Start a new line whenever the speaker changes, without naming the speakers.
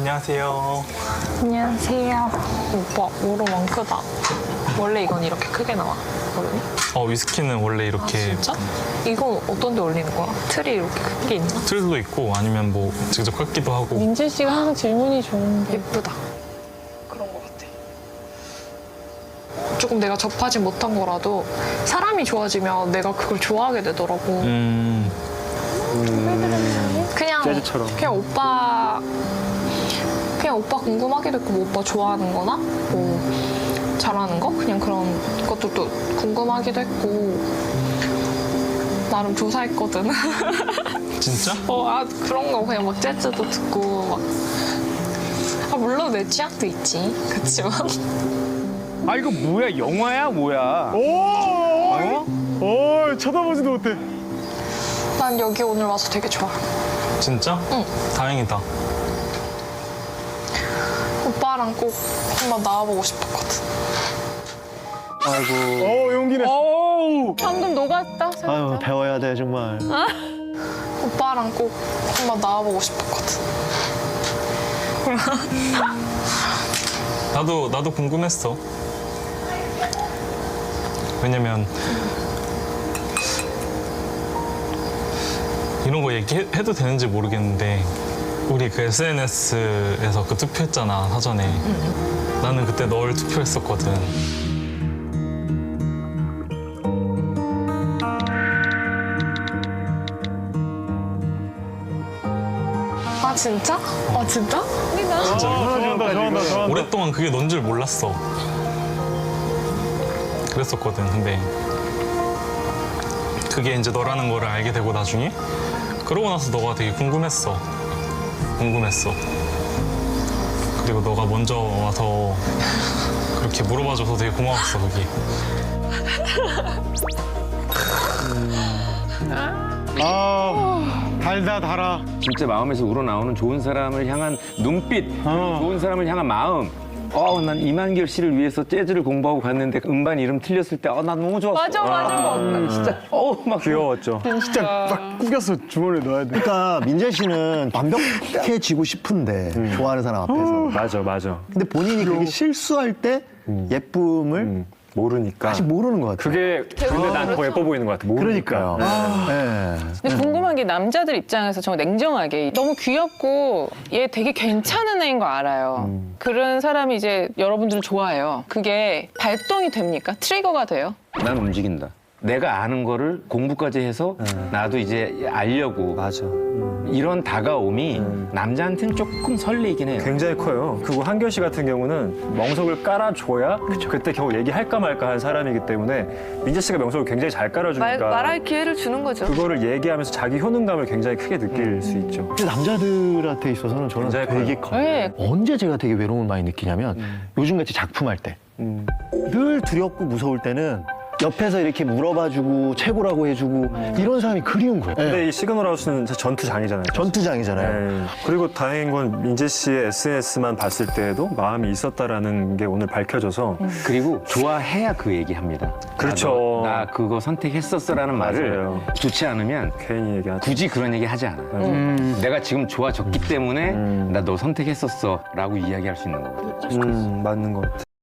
안녕하세요.
안녕하세요. 오빠, 오로만 크다. 원래 이건 이렇게 크게 나와, 얼음이?
위스키는 원래 이렇게
진짜? 이건 어떤 데 올리는 거야? 틀이 이렇게 큰 게 있나?
틀도 있고 아니면 뭐 직접 깎기도 하고.
민재 씨가 항상 질문이 좋은데.
예쁘다. 그런 거 같아. 조금 내가 접하지 못한 거라도 사람이 좋아지면 내가 그걸 좋아하게 되더라고.
재즈처럼.
그냥 오빠 궁금하게 됐고, 뭐 오빠 좋아하는 거나, 뭐, 잘하는 거? 그냥 그런 것들도 궁금하기도 했고, 나름 조사했거든.
진짜?
그런 거 그냥 막 재즈도 듣고, 막. 물론 내 취향도 있지. 그치만.
아 이거 뭐야? 영화야 뭐야?
오, 쳐다보지도 못해.
난 여기 오늘 와서 되게 좋아.
진짜?
응.
다행이다.
오빠랑 꼭 한번 나와보고 싶었거든.
아이고. 용기 내.
방금 녹았다. 살짝.
아유, 배워야 돼, 정말.
오빠랑 꼭 한번 나와보고 싶었거든.
나도 궁금했어. 왜냐면 이런 거 얘기해도 되는지 모르겠는데 우리 그 SNS에서 그 투표했잖아, 사전에. 나는 그때 널 투표했었거든.
진짜? 진짜?
좋아한다.
오랫동안 그게 넌 줄 몰랐어. 그랬었거든. 근데 그게 이제 너라는 거를 알게 되고 나중에 그러고 나서 너가 되게 궁금했어. 그리고 너가 먼저 와서 그렇게 물어봐줘서 되게 고마웠어, 그게.
달아.
진짜 마음에서 우러나오는 좋은 사람을 향한 눈빛, 좋은 사람을 향한 마음. 난 이만결 씨를 위해서 재즈를 공부하고 갔는데 음반 이름 틀렸을 때 난 너무 좋았어.
맞아.
진짜 막
귀여웠죠. 진짜 딱 꾸겨서 주머니에 넣어야 돼.
그러니까 민재 씨는 완벽해지고 싶은데 좋아하는 사람 앞에서.
맞아.
근데 본인이 그게 실수할 때 예쁨을
모르니까.
아직 모르는 것 같아요.
근데 난 더 예뻐 보이는 것 같아.
그러니까요. 네.
근데 궁금한 게 남자들 입장에서 정말 냉정하게 너무 귀엽고 얘 되게 괜찮은 애인 거 알아요. 그런 사람이 이제 여러분들을 좋아해요. 그게 발동이 됩니까? 트리거가 돼요?
난 움직인다. 내가 아는 거를 공부까지 해서 나도 이제 알려고.
맞아.
이런 다가옴이 남자한테는 조금 설레이긴 해요.
굉장히 커요. 그리고 한결 씨 같은 경우는 명석을 깔아줘야 그때 겨우 얘기할까 말까 한 사람이기 때문에 민재 씨가 명석을 굉장히 잘 깔아주니까
말할 기회를 주는 거죠.
그거를 얘기하면서 자기 효능감을 굉장히 크게 느낄 수 있죠.
근데 남자들한테 있어서는 저는
굉장히
되게
커요.
커요.
네.
언제 제가 되게 외로움을 많이 느끼냐면 요즘같이 작품할 때. 늘 두렵고 무서울 때는 옆에서 이렇게 물어봐주고 최고라고 해주고 이런 사람이 그리운 거예요.
근데 이 시그널 하우스는 진짜 전투장이잖아요.
전투장이잖아요.
네. 그리고 다행인 건 민재 씨의 SNS만 봤을 때에도 마음이 있었다라는 게 오늘 밝혀져서
그리고 좋아해야 그 얘기합니다.
그렇죠.
나 그거 선택했었어라는 말을
맞아요.
좋지 않으면
괜히 얘기하죠.
굳이 그런 얘기 하지 않아. 내가 지금 좋아졌기 때문에 나 너 선택했었어라고 이야기할 수 있는 거거든.
맞는 것 같아.